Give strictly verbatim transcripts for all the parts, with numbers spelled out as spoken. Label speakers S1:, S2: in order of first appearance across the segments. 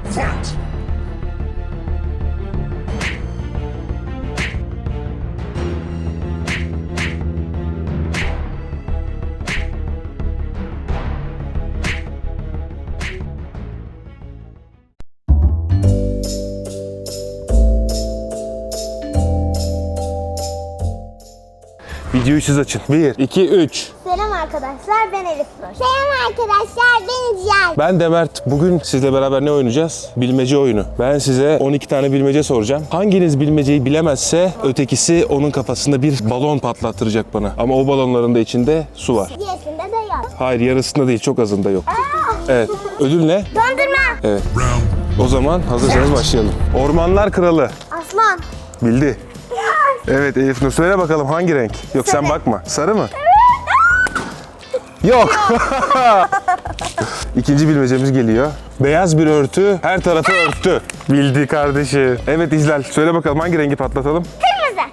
S1: Fight!
S2: Videoyu siz açın. bir, iki, üç.
S3: Selam arkadaşlar, ben Elif Nur. Selam arkadaşlar, ben Cihan.
S2: Ben de Mert. Bugün sizle beraber ne oynayacağız? Bilmece oyunu. Ben size on iki tane bilmece soracağım. Hanginiz bilmeceyi bilemezse ötekisi onun kafasında bir balon patlattıracak bana. Ama o balonların da içinde su var.
S3: Diyesinde de yok.
S2: Hayır, yarısında değil, çok azında yok. Evet. Ödül ne?
S3: Dondurma.
S2: Evet. O zaman hazırsanız başlayalım. Ormanlar Kralı.
S3: Aslan.
S2: Bildi. Evet Elif Nur, söyle bakalım hangi renk? Yok sen bakma. Sarı mı? Yok. İkinci bilmecemiz geliyor. Beyaz bir örtü her tarafı örttü. Bildi kardeşi. Evet İzlal, söyle bakalım hangi rengi patlatalım?
S3: Kırmızı.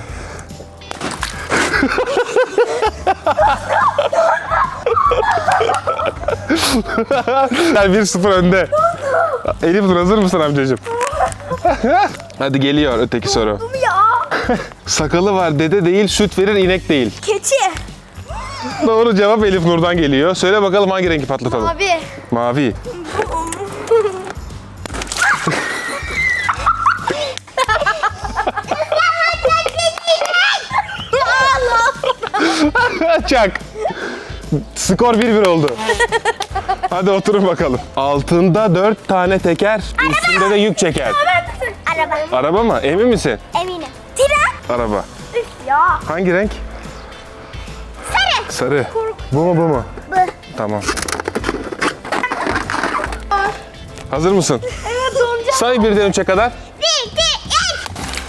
S2: Yani bir sıfır önde. Elif Nur, hazır mısın amcacığım? Hadi geliyor öteki soru.
S3: Ya.
S2: Sakalı var dede değil, süt verir inek değil.
S3: Keçi.
S2: Doğru cevap Elif Nur'dan geliyor. Söyle bakalım hangi rengi patlatalım?
S3: Mavi.
S2: Mavi. Çak. Skor bir bir oldu. Hadi oturun bakalım. Altında dört tane teker, üstünde de yük çeker.
S3: Araba.
S2: Araba mı? Emin misin?
S3: Eminim. Tren.
S2: Araba.
S3: Üf ya.
S2: Hangi renk?
S3: Sarı.
S2: Sarı. Bu mu bu mu?
S3: Bu.
S2: Tamam. Hazır mısın?
S3: Evet donacağım.
S2: Say birden üçe kadar.
S3: Bir, iki, üç.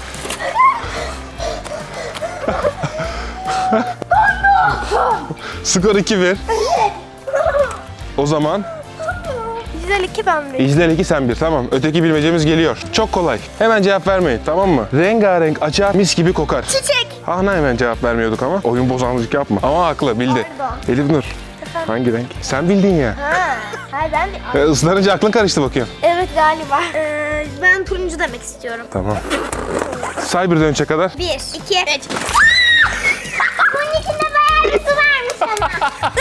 S2: Skor iki bir. O zaman
S3: Güzel iki ben bir.
S2: İclal iki sen bir. Tamam. Öteki bilmecemiz geliyor. Çok kolay. Hemen cevap vermeyin, tamam mı? Rengarenk açar, mis gibi kokar.
S3: Çiçek.
S2: Hahna hemen cevap vermiyorduk ama. Oyun bozanlık yapma. Ama haklı, bildi.
S3: Pardon.
S2: Elif Nur. Hangi renk? Sen bildin ya.
S3: Ha. Hayır ben de.
S2: E, ıslanınca aklın karıştı bakıyorum.
S3: Evet galiba. Ee, ben turuncu demek istiyorum.
S2: Tamam. Say birden üçe kadar.
S3: Bir, iki, üç. Bunun içinde bayağı bir su varmış ama.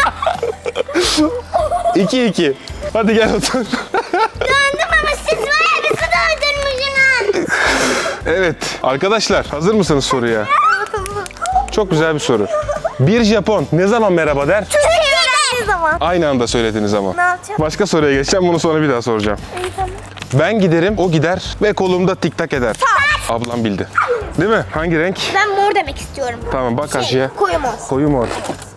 S2: iki iki. Hadi gel otur.
S3: Döndüm ama siz bayağı bir su doldurmuşsunuz.
S2: Evet. Arkadaşlar hazır mısınız soruya? Çok güzel bir soru. Bir Japon ne zaman merhaba der?
S3: Ne zaman?
S2: Aynı anda söylediniz ama.
S3: Ne yapacağım?
S2: Başka soruya geçeceğim. Bunu sonra bir daha soracağım.
S3: İyi tamam.
S2: Ben giderim, o gider ve kolumda tik tak eder. Ablam bildi. Değil mi? Hangi renk?
S3: Ben mor demek istiyorum.
S2: Tamam, bak karşıya.
S3: Şey, koyu mor.
S2: Koyu mor.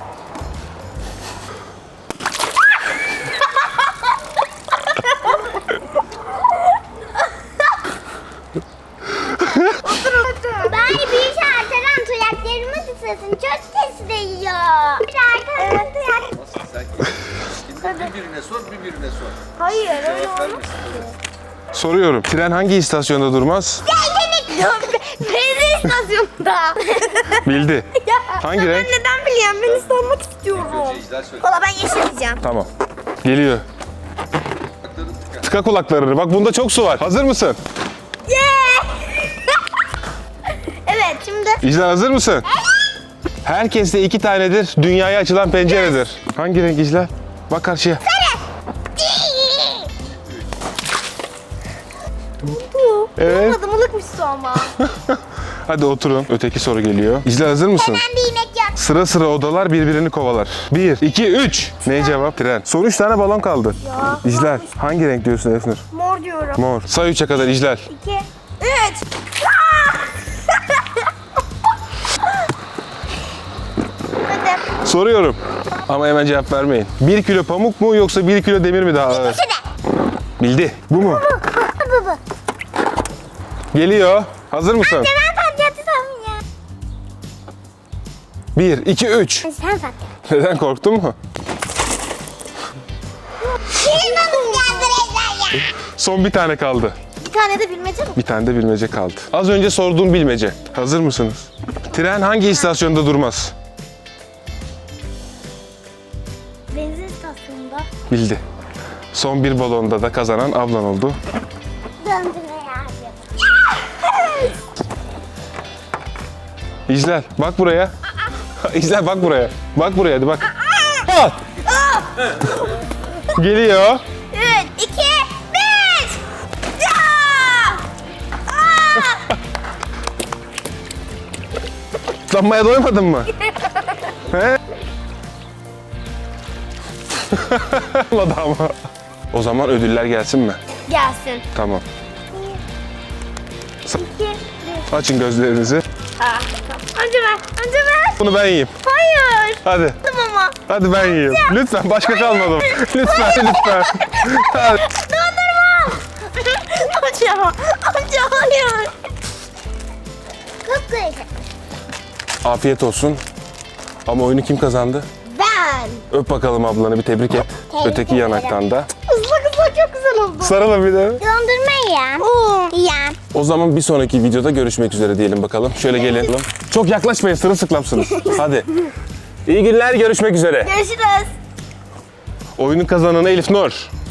S3: Ben bir şartelen tuyaklarımı tutasın. Çok ses değiyor. Şartelen tuyak.
S4: Sen birbirine sor, birbirine sor.
S3: Hayır öyle
S4: Cevap
S3: olmaz.
S4: vermesin.
S2: Soruyorum. Tren hangi istasyonda durmaz?
S3: Benzin istasyonunda.
S2: Bildi. Hangi renk?
S3: Ben neden biliyorum? Ben ıslanmak istiyorum.
S4: Önce icra söyle.
S3: Valla ben yeşil diyeceğim.
S2: Tamam. Geliyor.
S4: Kulakların tıka.
S2: Tıka kulaklarını. Bak bunda çok su var. Hazır mısın?
S3: Yeah! Evet şimdi.
S2: İclal hazır mısın? Herkeste iki tanedir. Dünyaya açılan penceredir. Hangi renk İclal? Bak karşıya. Evet.
S3: Olmadı mılıkmış su ama.
S2: Hadi oturun. Öteki soru geliyor. İclal hazır mısın?
S3: Ben bir inek yok.
S2: Sıra sıra odalar birbirini kovalar. Bir, iki, üç. Ne cevap? Tren. Son üç tane balon kaldı.
S3: Ya,
S2: İclal. Hangi renk diyorsun Efnur?
S3: Mor diyorum.
S2: Mor. Say üçe kadar İclal.
S3: İki, üç. Hadi.
S2: Soruyorum. Ama hemen cevap vermeyin. Bir kilo pamuk mu yoksa bir kilo demir mi daha ağır?
S3: İkisi de.
S2: Bildi. Bu mu?
S3: Bu bu.
S2: Geliyor. Hazır mısın?
S3: Ben patlatıyorum ya.
S2: Bir, iki, üç.
S3: Sen patlat.
S2: Neden korktun mu?
S3: Benim babam geldi Rezler ya.
S2: Son bir tane kaldı.
S3: Bir tane de bilmece mi?
S2: Bir tane de bilmece kaldı. Az önce sorduğum bilmece. Hazır mısınız? Tren hangi istasyonda durmaz?
S3: Benzin istasyonunda.
S2: Bildi. Son bir balonda da kazanan ablan oldu.
S3: Döndürme abi.
S2: İclal bak buraya. İclal bak buraya. Bak buraya hadi bak. At. Geliyor.
S3: Üç, iki, bir. Ya! Aa!
S2: Islanmaya doymadın mı? He? Olmadı ama. O zaman ödüller gelsin mi?
S3: Gelsin.
S2: Tamam.
S3: İki, bir.
S2: Açın gözlerinizi.
S3: Aa, önce ver, önce ver.
S2: Bunu ben yiyeyim.
S3: Hayır.
S2: Hadi.
S3: Tamam.
S2: Hadi ben yiyeyim. Lütfen başka kalmadım. Lütfen lütfen. Hadi.
S3: Dondurma. Amca, amca hayır. Çok güzel.
S2: Afiyet olsun. Ama oyunu kim kazandı?
S3: Ben.
S2: Öp bakalım ablanı bir tebrik et.
S3: Tebrik
S2: Öteki
S3: ederim.
S2: yanaktan da.
S3: Islak ıslak çok güzel oldu.
S2: Sarılın bir de.
S3: Dondurma yiyen. Oo. Yiyen.
S2: O zaman bir sonraki videoda görüşmek üzere diyelim bakalım. Şöyle gelin. Çok yaklaşmayın, sırılsıklamsınız. Hadi. İyi günler, görüşmek üzere.
S3: Görüşürüz.
S2: Oyunun kazananı Elif Nur.